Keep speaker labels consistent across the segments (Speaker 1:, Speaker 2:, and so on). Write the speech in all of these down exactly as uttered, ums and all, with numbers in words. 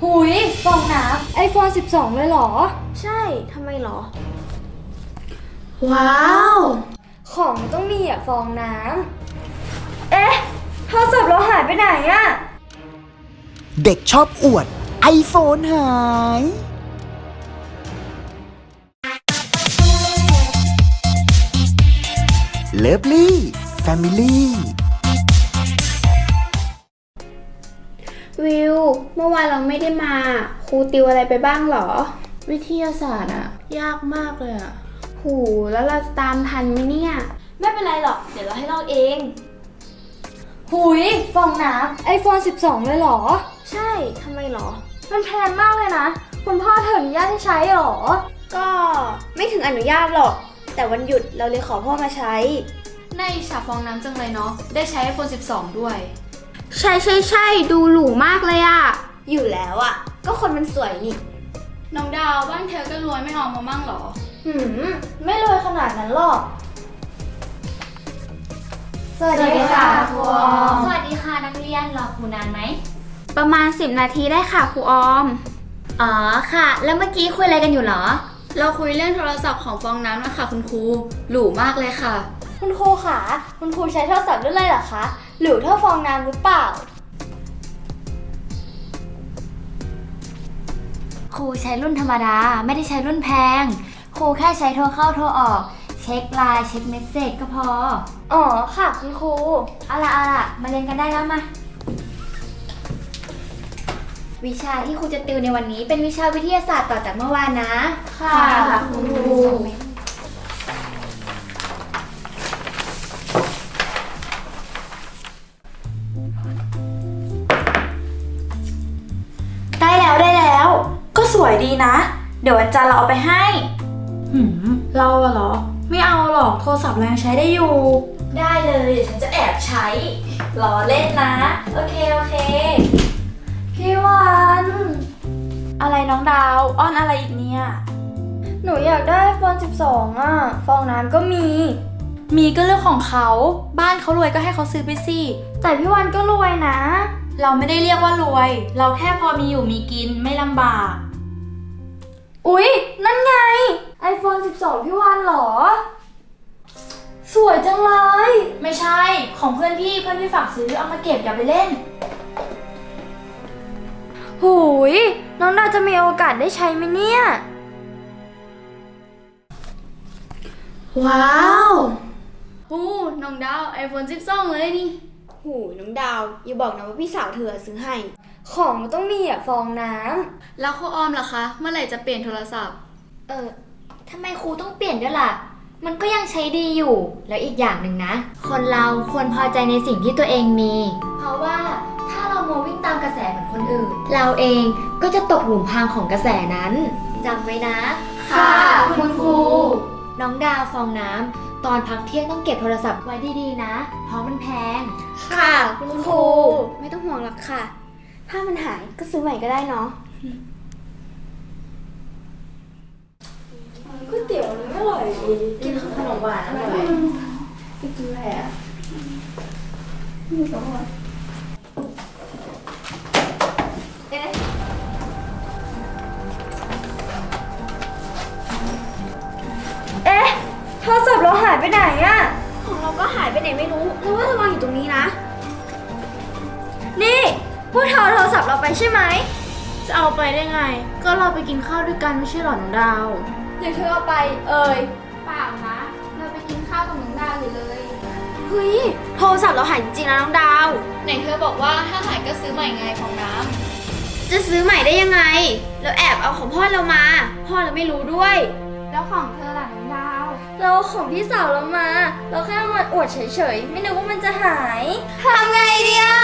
Speaker 1: หุยฟองน้ำไอโฟนสิบสองเลยเหรอ
Speaker 2: ใช่ทำไมเหรอ
Speaker 1: ว้าวของต้องมีอ่ะฟองน้ำเอ๊ะโทรศัพท์เราหายไปไหนอะ
Speaker 3: เด็กชอบอวด ไอโฟน หาย เลิฟลี่แฟมิลี่
Speaker 2: วิวเมื่อวานเราไม่ได้มาครูติวอะไรไปบ้างเหรอ
Speaker 4: วิทยาศาสตร์อะยากมากเลยอะ
Speaker 2: หูแล้วเราตามทันไหมเนี่ย
Speaker 1: ไม่เป็นไรหรอกเดี๋ยวเราให้ลอกเองหุยฟองน้ำไอโฟนสิบสองเลยเหรอ
Speaker 2: ใช่ทำไมเหรอ
Speaker 1: มันแพงมากเลยนะคุณพ่อเธออนุญาตให้ใช้เหรอ
Speaker 2: ก็ไม่ถึงอนุญาตหรอกแต่วันหยุดเราเลยขอพ่อมาใช้
Speaker 4: ในฉากฟองน้ำจังเลยเนาะได้ใช้ ไอโฟนสิบสอง ด้วย
Speaker 2: ใช่ใช่ใช่ดูหรูมากเลยอะอยู่แล้วอะก็คนมันสวยนี่
Speaker 4: น้องดาวบ้านเธอก็รวยไม่เอามามั่งหรอ
Speaker 1: หืมไม่รวยขนาดนั้นหรอก
Speaker 5: สวัสดีค่ะครูออมสวัสดีค่ะนักเรียนรอครูนานไหม
Speaker 2: ประมาณสิบนาทีได้ค่ะครูออม
Speaker 5: อ๋อค่ะแล้วเมื่อกี้คุยอะไรกันอยู่หรอ
Speaker 4: เราคุยเรื่องโทรศัพท์ของฟองน้ำนะคะคุณครูหรูมากเลยค่ะ
Speaker 1: คุณครูคะคุณครูใช้โทรศัพท์รุ่นอะไรเหรอคะหรือเท่าฟองน้ำหรือเปล่า
Speaker 5: ครูใช้รุ่นธรรมดาไม่ได้ใช้รุ่นแพงครูแค่ใช้โทรเข้าโทรออกเช็คไลน์เช็คเมสเซจก็พอ
Speaker 1: อ๋อค่ะคุณครู
Speaker 5: เอาล่ะเอาล่ะมาเรียนกันได้แล้วมาวิชาที่ครูจะติวในวันนี้เป็นวิชาวิทยาศาสตร์ต่อจากเมื่อวานนะ
Speaker 1: ค่ะคุณครูได้แล้วได้แล้วก็สวยดีนะเดี๋ยววันจันทร์เราเอาไปให้
Speaker 4: หืมเราอะเหรอไม่เอาหรอกโทรศัพท์เรายังใช้ได้อยู่
Speaker 1: ได้เลยเดี๋ยวฉันจะแอบใช้ล้อเล่นนะโอเคโอเคพี่วัน
Speaker 4: อะไรน้องดาวอ้อนอะไรอีกเนี่ย
Speaker 1: หนูอยากได้ไอโฟนสิบสองอ่ะฟองน้ำก็มี
Speaker 4: มีก็เรื่องของเขาบ้านเขารวยก็ให้เขาซื้อไปสิ
Speaker 1: แต่พี่วันก็รวยนะ
Speaker 4: เราไม่ได้เรียกว่ารวยเราแค่พอมีอยู่มีกินไม่ลำบาก
Speaker 1: อุ๊ยนั่นไง ไอโฟนสิบสอง พี่วันเหรอสวยจังเลย
Speaker 4: ไม่ใช่ของเพื่อนพี่เพื่อนพี่ฝากซื้อเอามาเก็บอย่าไปเล่น
Speaker 1: หูยน้องดาวจะมีโอกาสได้ใช้ไหมเนี่ย
Speaker 4: ว้าวหูน้องดาว ไอโฟนสิบสอง เลยนี่
Speaker 2: หูน้องดาวอย่าบอกนะว่าพี่สาวเธอซื้อให้
Speaker 1: ของมันต้องมีอ่ะฟองน้
Speaker 4: ำแล้วครูออมล่ะคะเมื่อไหร่จะเปลี่ยนโทรศัพท์
Speaker 5: เออทำไมครูต้องเปลี่ยนด้วยล่ะมันก็ยังใช้ดีอยู่แล้วอีกอย่างหนึ่งนะคนเราควรพอใจในสิ่งที่ตัวเองมีเพราะว่าถ้าเรามัววิ่งตามกระแสเหมือนคนอื่นเราเองก็จะตกหลุมพรางของกระแสนั้นจำไว้นะ
Speaker 4: ค่ะคุณครู
Speaker 5: น้องดาวฟองน้ำตอนพักเที่ยงต้องเก็บโทรศัพท์ไว้ดีๆนะเพราะมันแพง
Speaker 1: ค่ะคุณครู
Speaker 2: ไม่ต้องห่วงหรอกค่ะถ้ามันหายก็ซื้อใหม่ก็ได้เนาะ
Speaker 1: ก๋วยเตี๋ยวนี่อร่อยดี
Speaker 4: กินขนมหวานอร่อย
Speaker 1: กินอะไรอ่ะเอ๊ะเอ๊ะโทรศัพท์เราหายไปไหนอ่ะ
Speaker 2: ของเราก็หายไปไหนไม่รู้เราว่าเราวางอยู่ตรงนี้นะ
Speaker 1: นี่พวกเธอโทรศัพท์เราไปใช่ไหม
Speaker 4: จะเอาไปได้ไงก็เราไปกินข้าวด้วยกันไม่ใช่หรอน้องดาว
Speaker 1: อย่าเธอเอาไปเอ่ย
Speaker 4: เปล่านะเราไปกินข้าวกับน้องดาวอยู่เลย
Speaker 2: เฮ้ยโทรศัพท์เราหายจริงๆนะน้องดาว
Speaker 4: ไหนเธอบอกว่าถ้าหายก็ซื้อใหม่ไงของน้ำ
Speaker 2: จะซื้อใหม่ได้ยังไงเราแอบเอาของพ่อเรามาพ่อเราไม่รู้ด้วย
Speaker 4: แล้วของเธอล่ะน้องดาว
Speaker 1: เราของพี่สาวเรามาเราแค่เอามาอวดเฉยๆไม่นึกว่ามันจะหายทำไงดีอ่ะ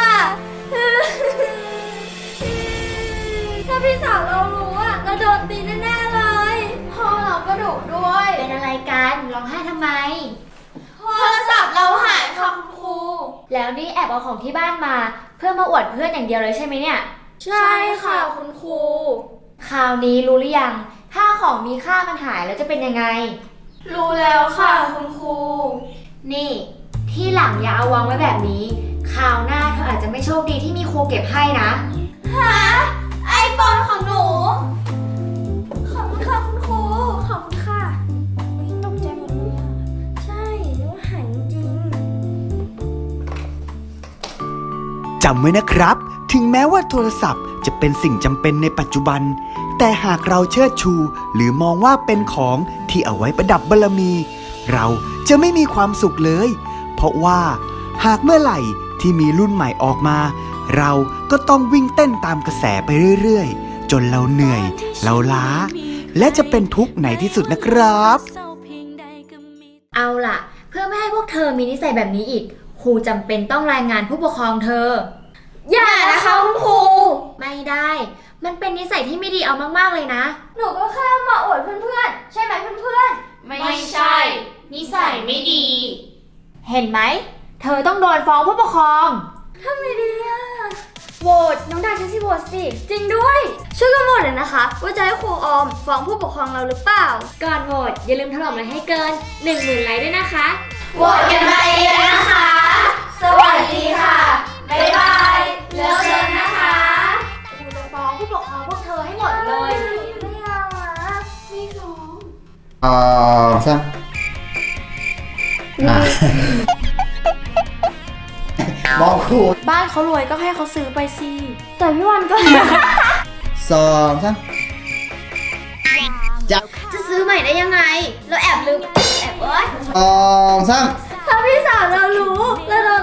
Speaker 1: ถ้าพี่สาวเรารู้อ่ะเราโดนตีแน่ๆเลย
Speaker 4: พ่อเราก็ดุด้วย
Speaker 5: เป็นอะไรกันร้องไห้ทำไม
Speaker 1: โทรศัพท์เราหายค่ะคุณครู
Speaker 5: แล้วนี่แอบเอาของที่บ้านมาเพื่อมาอวดเพื่อนอย่างเดียวเลยใช่ไหมเนี่ย
Speaker 1: ใช่ค่ะคุณครู
Speaker 5: คราวนี้รู้หรือยังถ้าของมีค่ามันหายแล้วจะเป็นยังไง
Speaker 1: รู้แล้วค่ะคุณครู
Speaker 5: นี่ที่หลังอย่าเอาวางไว้แบบนี้คราวหน้าเธออาจจะไม่โชคดีที่มีครูเก็บให้นะ
Speaker 1: ฮะไอโฟน
Speaker 3: ำไว้นะครับ ถึงแม้ว่าโทรศัพท์จะเป็นสิ่งจำเป็นในปัจจุบัน แต่หากเราเชิดชู หรือมองว่าเป็นของที่เอาไว้ประดับบารมี เราจะไม่มีความสุขเลย เพราะว่าหากเมื่อไหร่ที่มีรุ่นใหม่ออกมา เราก็ต้องวิ่งเต้นตามกระแสไปเรื่อยๆ จนเราเหนื่อย เราล้า และจะเป็นทุกข์ในที่สุดนะครับ
Speaker 5: เอาล่ะ เพื่อไม่ให้พวกเธอมีนิสัยแบบนี้อีก ครูจำเป็นต้องรายงานผู้ปกครองเธอ
Speaker 1: อย่านะคะคุณครู
Speaker 5: ไม่ได้ มันเป็นนิสัยที่ไม่ดีเอามากๆเลยนะ
Speaker 1: หนูก็แค่มาอวดเพื่อนๆ ใช่ไหมเพื่อน
Speaker 4: ไม่ใช่ นิสัยไม่ดี
Speaker 5: เห็นไหม เธอต้องโดนฟ้องผู้ปกครอง
Speaker 1: ๆทำไงดีอะ
Speaker 2: โหวตน้องดาวใช้สิโหวตสิ
Speaker 1: จริงด้วย ช่วยกันโหวตเลยนะคะ ว่าจะให้ครูออมฟ้องผู้ปกครองเราหรือเปล่า
Speaker 5: ก่อนโหวตอย่าลืมถล่มไลค์ให้เกิน หนึ่งหมื่น ไลค์ด้วยนะคะ
Speaker 1: โหวตกันมาเองนะคะ สวัสดีค่ะ บ๊ายบาย เลิฟเลิฟนะคะ
Speaker 5: ครูจะฟ้องผู้ปกครองพวกเธอให้หมดเลย
Speaker 1: ไม่เอาอะไม่ฟ้อง
Speaker 6: เอ่อซ้ำอ่ะมองครู
Speaker 4: บ้านเขารวยก็ให้เขาซื้อไปสิ
Speaker 1: แต่พี่วันก็
Speaker 6: สองซ้ำจับ
Speaker 2: จะซื้อใหม่ได้ยังไง เราแอบลืม แอบเอ้ย
Speaker 6: สองซ้
Speaker 1: ถ้าพี่สาวเรารู้แล้วเรา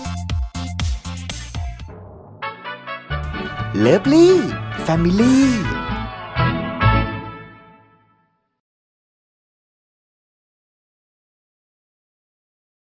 Speaker 3: เลิฟลี่แฟมิลี่